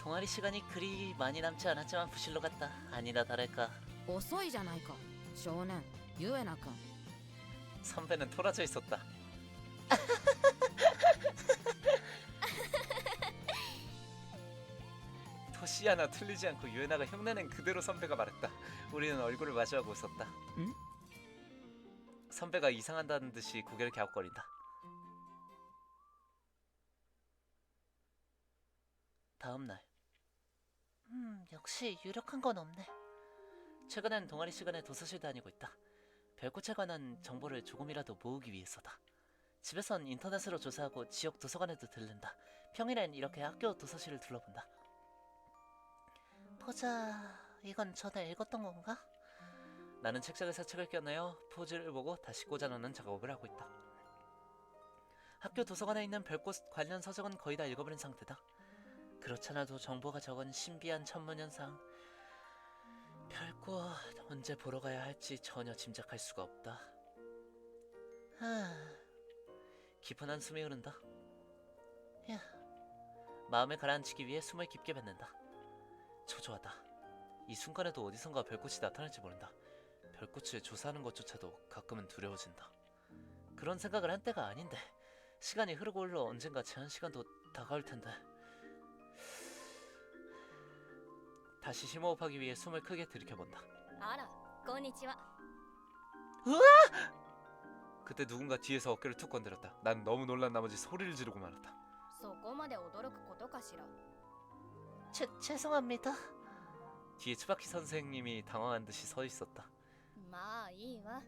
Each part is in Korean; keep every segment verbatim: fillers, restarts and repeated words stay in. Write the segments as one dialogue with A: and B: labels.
A: 동아리 시간이 그리 많이 남지 않았지만 부실로 갔다. 아니나 다를까
B: 遅いじゃないか少年ユエナ君
A: 선배는 토라져 있었다. 토시 하나 틀리지 않고 유에나가 흉내낸 그대로 선배가 말했다. 우리는 얼굴을 마주하고 웃었다.
B: 응?
A: 선배가 이상한다는 듯이 고개를 갸웃거린다. 다음 날. 음, 역시 유력한 건 없네. 최근엔 동아리 시간에 도서실 다니고 있다. 별꽃에 관한 정보를 조금이라도 모으기 위해서다. 집에선 인터넷으로 조사하고 지역 도서관에도 들른다. 평일엔 이렇게 학교 도서실을 둘러본다. 보자, 이건 전에 읽었던 건가? 나는 책장에서 책을 껴내어 포즈를 보고 다시 꽂아놓는 작업을 하고 있다. 학교 도서관에 있는 별꽃 관련 서적은 거의 다 읽어버린 상태다. 그렇잖아도 정보가 적은 신비한 천문현상. 별꽃 언제 보러 가야 할지 전혀 짐작할 수가 없다. 하... 깊은 한숨이 흐른다. 야, 마음을 가라앉히기 위해 숨을 깊게 뱉는다. 초조하다. 이 순간에도 어디선가 별꽃이 나타날지 모른다. 별꽃을 조사하는 것조차도 가끔은 두려워진다. 그런 생각을 한 때가 아닌데 시간이 흐르고 흘러 언젠가 제한 시간도 다가올 텐데. 다시 심호흡하기 위해 숨을 크게 들이켜본다.
C: あら、こんにちは。
A: 그때 누군가 뒤에서 어깨를 툭 건드렸다. 난 너무 놀란 나머지 소리를 지르고 말았다.
C: そこまで驚くことかしら。
A: 죄, 죄송합니다. 뒤에 츠바키 선생님이 당황한 듯이 서 있었다.
C: まあいいわ。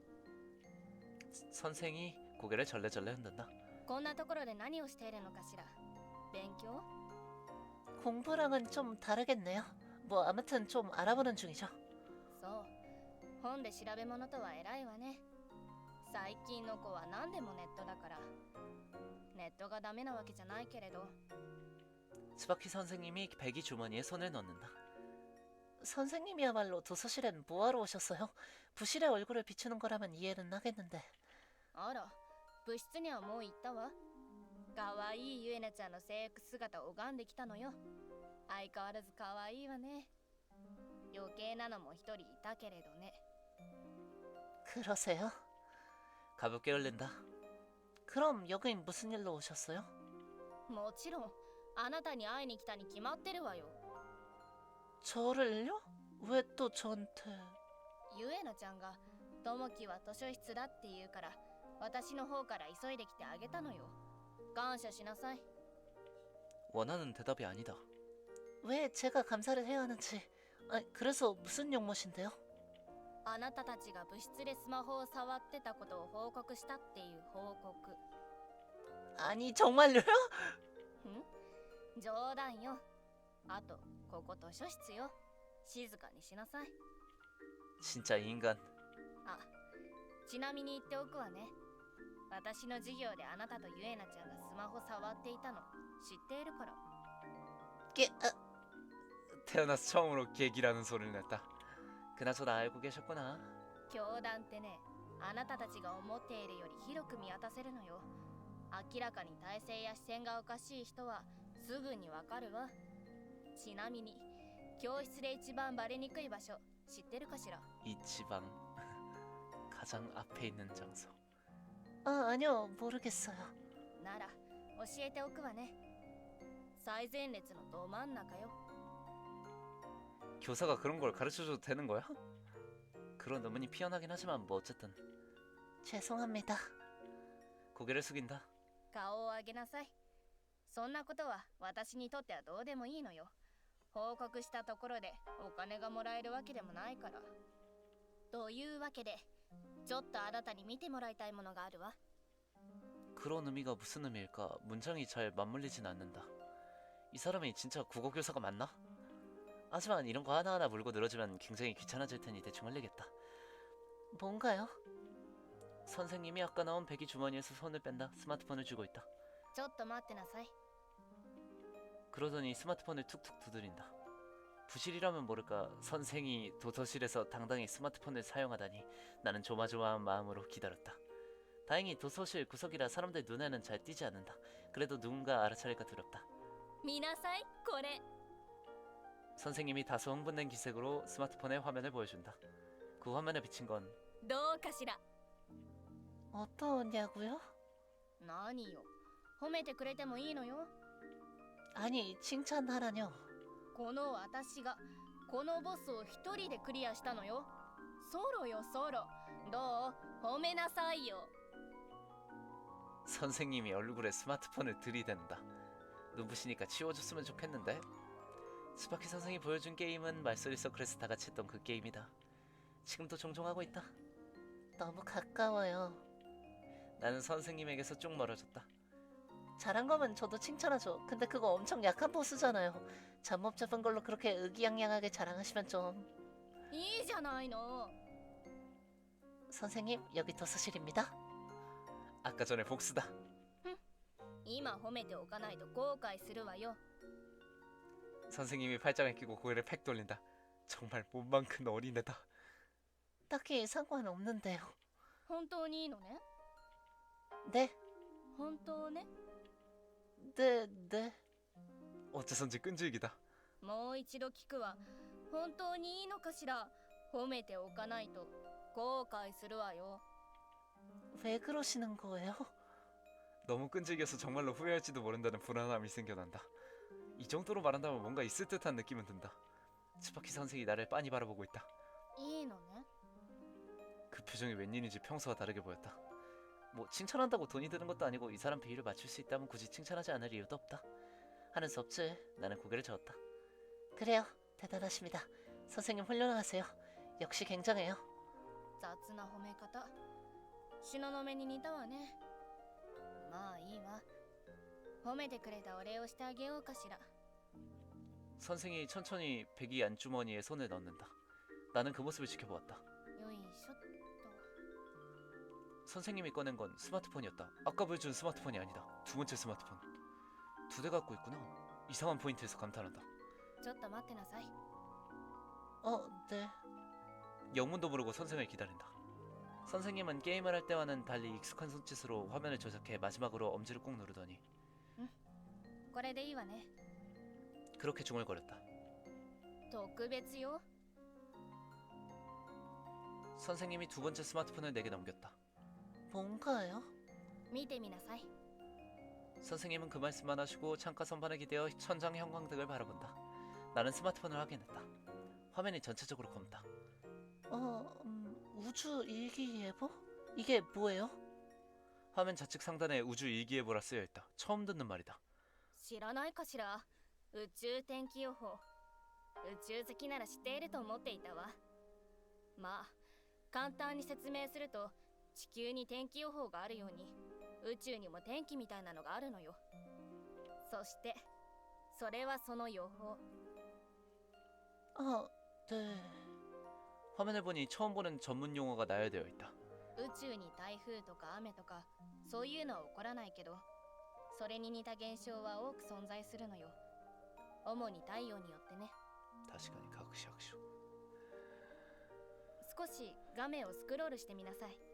A: 선생이 고개를 절레절레 흔든다.
C: こんなところで何をしているのかしら。勉強？
A: 공부랑은 좀 다르겠네요. 뭐 아무튼 좀 알아보는 중이죠.
C: そう。本で調べ物とは偉いわね。最近の子は何でもネットだから。ネットがダメなわけじゃないけれど。
A: 츠바키 선생님이 배기 주머니에 손을 넣는다. 선생님이야말로 도서실엔 뭐하러 오셨어요? 부실의 얼굴을 비추는 거라면 이해는 하겠는데.
C: あら、部室にはもう行ったわ。かわいいゆえなちゃんの制服姿を拝んできたのよ。相変わらずかわいいわね。余計なのも一人いたけれどね。
A: 그러세요? 가볍게 흘린다. 그럼 여긴 무슨 일로 오셨어요?
C: もちろん、あなたに会いに来たに決まってるわよ。
A: 저를요? 왜 또 저한테?
C: ゆえなちゃんが、ともきは図書室だって言うから、私の方から急いできてあげたのよ。感謝しなさい。
A: 원하는 대답이 아니다. 왜 제가 감사를 해야 하는지. 아, 그래서 무슨 용무신데요?
C: あなたたちが部室でスマホを触ってたことを報告したっていう報告。
A: 아니 정말요요?
C: ん？冗談よ。あと、ここ図書室よ。静かにしなさい。
A: 진짜 이 인간.
C: あ、ちなみに言っておくわね。私の授業であなたとゆえなちゃんがスマホ触っていたの知っているから。
A: 깨... 아... 태어나서 처음으로 계기라는 소리를 냈다. 그나저나 알고 계셨구나.
C: 教団ってね、あなたたちが思っているより広く見渡せるのよ。明らかに体勢や視線がおかしい人はすぐにわかるわ。ちなみに、教室で一番バレにくい場所知ってるかしら？
A: 이 지방 가장 앞에 있는 장소. 아 아니요 모르겠어요.
C: なら教えておくわね。最前列のど真ん中よ。
A: 교사가 그런 걸 가르쳐줘도 되는 거야? 그런 의문이 피어나긴 하지만 뭐 어쨌든. 죄송합니다. 고개를 숙인다.
C: 顔を上げなさい。そんなことは私にとってはどうでもいいのよ。報告したところでお金がもらえるわけでもないから。というわけで、ちょっとあなたに見てもらいたいものがあるわ。
A: 그런 의미가 무슨 의미일까? 문장이 잘 맞물리진 않는다. 이 사람이 진짜 국어교사가 맞나? 하지만 이런 거 하나하나 물고 늘어지면 굉장히 귀찮아질 테니 대충 흘리겠다. 뭔가요? 선생님이 아까 나온 배기 주머니에서 손을 뺀다. 스마트폰을 쥐고 있다.
C: ちょっと待ってなさい。
A: 그러더니 스마트폰을 툭툭 두드린다. 부실이라면 모를까 선생이 도서실에서 당당히 스마트폰을 사용하다니. 나는 조마조마한 마음으로 기다렸다. 다행히 도서실 구석이라 사람들 눈에는 잘 띄지 않는다. 그래도 누군가 알아차릴까 두렵다.
C: 見なさい、これ。
A: 선생님이 다소 흥분된 기색으로 스마트폰의 화면을 보여준다. 그 화면에 비친 건
C: どうかしら。
D: 어떠냐고요?
C: 何よ、褒めてくれてもいいのよ。
D: 아니, 칭찬하라뇨.
C: この私がこのボスを一人でクリアしたのよ。ソロよソロ。どう？褒めなさいよ。
A: 선생님이 얼굴에 스마트폰을 들이댄다. 눈부시니까 치워줬으면 좋겠는데? 스파키 선생이 보여준 게임은 말소리 서클에서 다 같이 했던 그 게임이다. 지금도 종종 하고 있다.
D: 너무 가까워요.
A: 나는 선생님에게서 쭉 멀어졌다.
D: 잘한 거면 저도 칭찬하죠. 근데 그거 엄청 약한 보스잖아요. 잠못 잡은 걸로 그렇게 의기양양하게 자랑하시면 좀.
C: いいじゃないの。
D: 선생님, 여기 도서실입니다.
A: 아까 전에 복수다.
C: 今褒めておかないと後悔するわよ。
A: 선생님이 팔짱을 끼고 고개를 팩 돌린다. 정말 몸만 큰 어린애다.
D: 딱히 상관없는데요.
C: 本当にいいのね。
D: 네,
C: 本当ね。
D: 네, 네.
A: 어째선지 끈질기다.
C: もう一度聞くわ。本当にいいのかしら。褒めておかないと後悔するわよ。
D: 왜 그러시는 거예요?
A: 너무 끈질겨서 정말로 후회할지도 모른다는 불안함이 생겨난다. 이 정도로 말한다면 뭔가 있을 듯한 느낌은 든다. 스파키 선생이 나를 빤히 바라보고 있다.
C: いいのね。
A: 그 표정이 웬일인지 평소와 다르게 보였다. 뭐 칭찬한다고 돈이 드는 것도 아니고 이 사람 비위를 맞출 수 있다면 굳이 칭찬하지 않을 이유도 없다. 하는 수 없지. 나는 고개를 저었다.
D: 그래요, 대단하십니다. 선생님 훌륭하세요. 역시 굉장해요.
C: 雑な褒め方。東雲に似たわね。まあいいわ。褒めてくれたお礼をしてあげようかしら。
A: 선생이 천천히 배기 안주머니에 손을 넣는다. 나는 그 모습을 지켜보았다.
C: よいしょっと。
A: 선생님이 꺼낸 건 스마트폰이었다. 아까 보여준 스마트폰이 아니다. 두 번째 스마트폰. 두 대 갖고 있구나. 이상한 포인트에서 감탄한다.
C: ちょっと待ってなさい。
D: 어, 네.
A: 영문도 모르고 선생을 기다린다. 선생님은 게임을 할 때와는 달리 익숙한 손짓으로 화면을 조작해 마지막으로 엄지를 꾹 누르더니
C: これでいいわね。
A: 그렇게 중얼거렸다.
C: 特別よ。
A: 선생님이 두 번째 스마트폰을 내게 넘겼다.
D: 뭔가요?
C: 見てみなさい。
A: 선생님은 그 말씀만 하시고 창가 선반에 기대어 천장 형광등을 바라본다. 나는 스마트폰을 확인했다. 화면이 전체적으로 검다.
D: 어, 음, 우주 일기예보? 이게 뭐예요?
A: 화면 좌측 상단에 우주 일기예보라 쓰여 있다. 처음 듣는 말이다.
C: 知らないかしら。宇宙天気予報。宇宙好きなら知っていると思っていたわ。まあ簡単に説明すると、地球に天気予報があるように宇宙にも天気みたいなのがあるのよ。そしてそれはその予報。
D: 아, 네.
A: 화면을 보니 처음 보는 전문 용어가 나열되어 있다.
C: 宇宙に台風とか雨とかそういうのは起こらないけど、それに似た現象は多く存在するのよ。主に太陽によってね。
A: 다시가니 각시각쇼.
C: 少し画面をスクロールしてみなさい。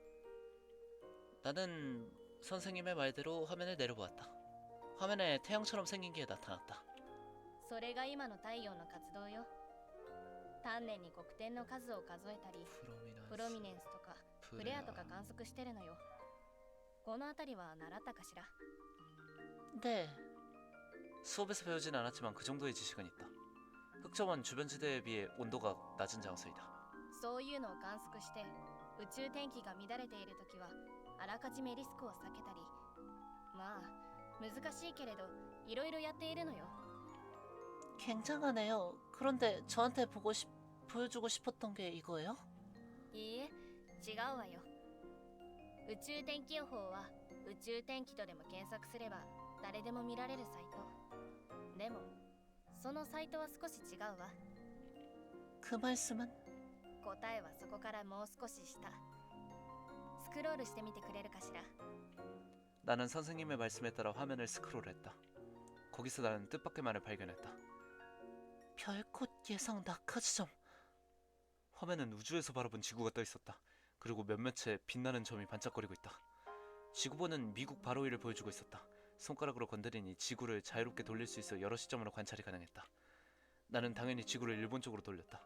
A: 나는 선생님의 말대로 화면을 내려보았다. 화면에 태양처럼 생긴 게 나타났다.
C: それが今の太陽の活動よ。丹念に黒点の数を数えたり、プロミネンスとかフレアとか観測してるのよ。この辺りは習ったかしら。
D: 네.
A: 수업에서 배우진 않았지만 그 정도의 지식은 있다. 흑점은 주변 지대에 비해 온도가 낮은 장소이다.
C: そういうのを観測して宇宙天気が乱れているときはあらかじめリスクを避けたり、まあ難しいけれどいろいろやっているのよ。
D: 굉장하네요. 그런데 저한테 보고 싶, 보여주고 싶었던 게 이거예요?
C: いいえ、違うわよ。宇宙天気予報は宇宙天気とでも検索すれば誰でも見られるサイト。でもそのサイトは少し違うわ。
D: 그 말씀은?
C: 答えはそこからもう少し下。スクロールしてみてくれるかしら。
A: 나는 선생님의 말씀에 따라 화면을 스크롤했다. 거기서 나는 뜻밖의 말을 발견했다.
D: 별꽃 예상 낙하 지점.
A: 화면은 우주에서 바라본 지구가 떠 있었다. 그리고 몇몇의 빛나는 점이 반짝거리고 있다. 지구본은 미국 바로 위를 보여주고 있었다. 손가락으로 건드리니 지구를 자유롭게 돌릴 수 있어 여러 시점으로 관찰이 가능했다. 나는 당연히 지구를 일본 쪽으로 돌렸다.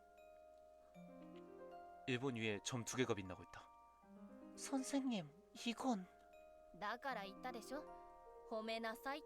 A: 일본 위에 점 두 개가 빛나고 있다.
D: 선생님, 이건
C: だから言ったでしょ、褒めなさいって。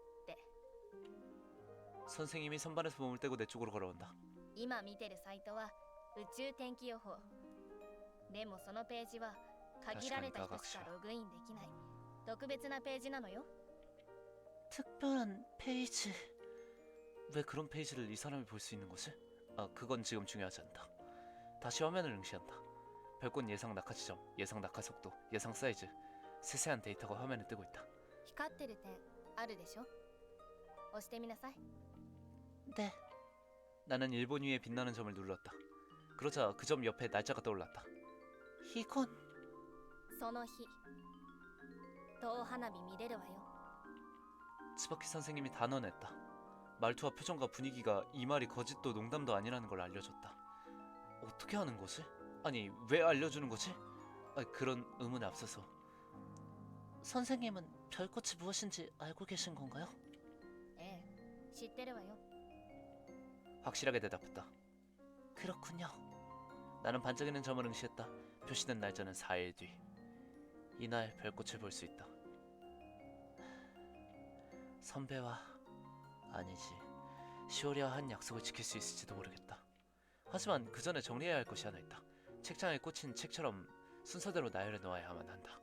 A: 선생님이 선반에서 몸을 떼고 내 쪽으로 걸어온다.
C: 今見てるサイトは宇宙天気予報。でもそのページは限られた人しかログインできない特別なページなのよ。
D: 특별한 페이지.
A: 왜 그런 페이지를 이 사람이 볼 수 있는 거지? 아, 그건 지금 중요하지 않다. 다시 화면을 응시한다. 별꽃 예상 낙하 지점, 예상 낙하 속도, 예상 사이즈, 세세한 데이터가 화면에 뜨고 있다.
C: 光ってる点あるでしょ。押してみなさい。
D: 네,
A: 나는 일본 위에 빛나는 점을 눌렀다. 그러자 그 점 옆에 날짜가 떠올랐다.
D: 이건
C: その日遠花火見れるわよ。
A: 츠바키 선생님이 단언했다. 말투와 표정과 분위기가 이 말이 거짓도 농담도 아니라는 걸 알려줬다. 어떻게 하는 거지? 아니, 왜 알려주는 거지? 아, 그런 의문에 앞서서
D: 선생님은 별꽃이 무엇인지 알고 계신 건가요?
C: ええ、知ってるわよ。
A: 확실하게 대답했다.
D: 그렇군요.
A: 나는 반짝이는 점을 응시했다. 표시된 날짜는 사 일 뒤. 이날 별꽃을 볼 수 있다. 선배와 아니지 시오리와 한 약속을 지킬 수 있을지도 모르겠다. 하지만 그 전에 정리해야 할 것이 하나 있다. 책장에 꽂힌 책처럼 순서대로 나열해 놓아야만 한다.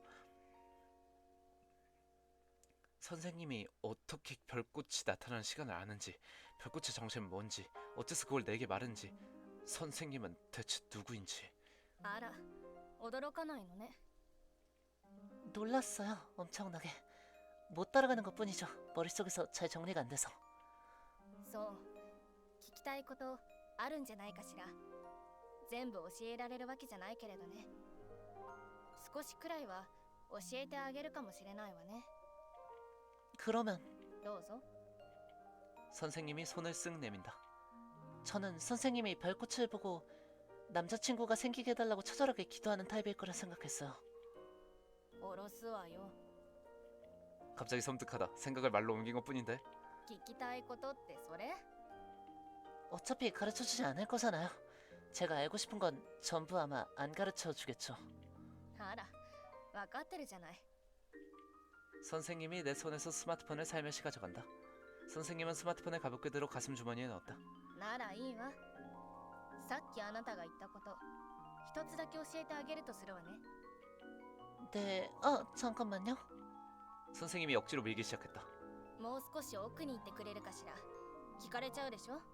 A: 선생님이 어떻게 별꽃이 나타나는 시간을 아는지, 별꽃의 정체는 뭔지, 어째서 그걸 내게 말했는지, 선생님은 대체 누구인지.
C: あら、驚かないのね。
D: 놀랐어요, 엄청나게. 못 따라가는 것뿐이죠. 머릿속에서 잘 정리가 안 돼서.
C: そう、聞きたいことあるんじゃないかしら。全部教えられるわけじゃないけれどね。少しくらいは教えてあげるかもしれないわね。
D: 그러면
C: どうぞ。
A: 선생님이 손을 쓱 내민다.
D: 저는 선생님이 별꽃을 보고 남자친구가 생기게 해달라고 처절하게 기도하는 타입일 거라 생각했어요.
C: おろすわよ。
A: 갑자기 섬뜩하다. 생각을 말로 옮긴 것뿐인데.
C: 聞きたいことってそれ？
D: 어차피 가르쳐주지 않을 거잖아요. 제가 알고 싶은 건 전부 아마 안 가르쳐주겠죠.
C: あら、わかってるじゃない。
A: 선생님이 내 손에서 스마트폰을 살며시 가져간다. 선생님은 스마트폰을 가볍게 들어 가슴 주머니에 넣었다.
C: ならいいわ。さっきあなたが言ったこと、一つだけ教えてあげるとするわね。
D: 네, 아 잠깐만요.
A: 선생님이 억지로 밀기 시작했다.
C: もう少し奥に行ってくれるかしら。聞かれちゃうでしょ。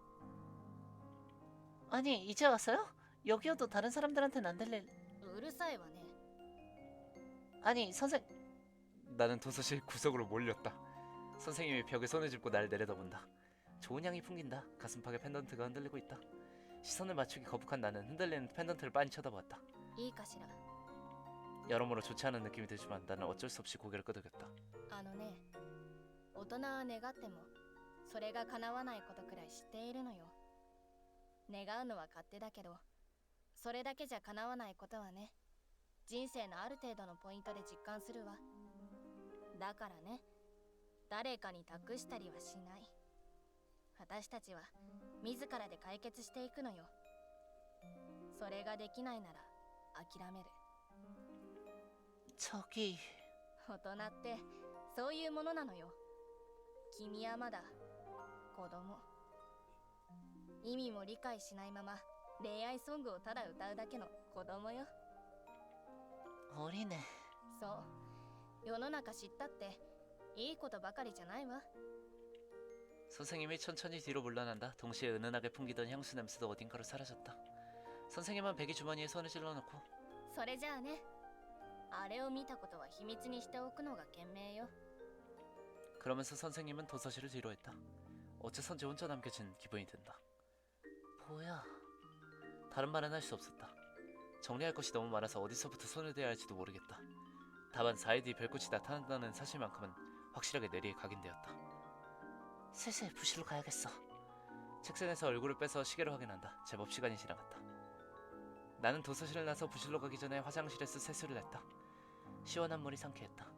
D: 아니 이제 왔어요? 여기여도 다른 사람들한테는 안 들릴.
C: うるさいわね。
D: 아니 선생
A: 나는 도서실 구석으로 몰렸다. 선생님이 벽에 손을 짚고 날 내려다본다. 좋은 향이 풍긴다. 가슴팍에 펜던트가 흔들리고 있다. 시선을 맞추기 거북한 나는 흔들리는 펜던트를 빤히 쳐다보았다.
C: いいかしら。
A: 여러모로 좋지 않은 느낌이 들지만 나는 어쩔 수 없이 고개를 끄덕였다.
C: あのね、大人は願ってもそれが叶わないことくらい知っているのよ。願うのは勝手だけど、それだけじゃ叶わないことはね、人生のある程度のポイントで実感するわ。だからね、誰かに託したりはしない。私たちは自らで解決していくのよ。それができないなら諦める。
D: 저기
C: 大人ってそういうものなのよ。君はまだ子供。意味も理解しないまま恋愛ソングをただ歌うだけの子供よ。
D: 어리네.
C: そう、世の中知ったっていいことばかりじゃないわ。
A: 선생님이 천천히 뒤로 물러난다. 동시에 은은하게 풍기던 향수 냄새도 어딘가로 사라졌다. 선생님은 배기 주머니에 손을 찔러넣고
C: それじゃあね、あれを見たことは秘密にしておくのが賢明よ。
A: 그러면서 선생님은 도서실을 뒤로 했다. 어째선지 혼자 남겨진 기분이 든다.
D: 뭐야?
A: 다른 말은 할 수 없었다. 정리할 것이 너무 많아서 어디서부터 손을 대야 할지도 모르겠다. 다만 사 일 뒤 별꽃이 나타난다는 사실만큼은 확실하게 뇌리에 각인되었다.
D: 슬슬 부실로 가야겠어.
A: 책상에서 얼굴을 빼서 시계로 확인한다. 제법 시간이 지나갔다. 나는 도서실을 나서 부실로 가기 전에 화장실에서 세수를 했다. 시원한 물이 상쾌했다.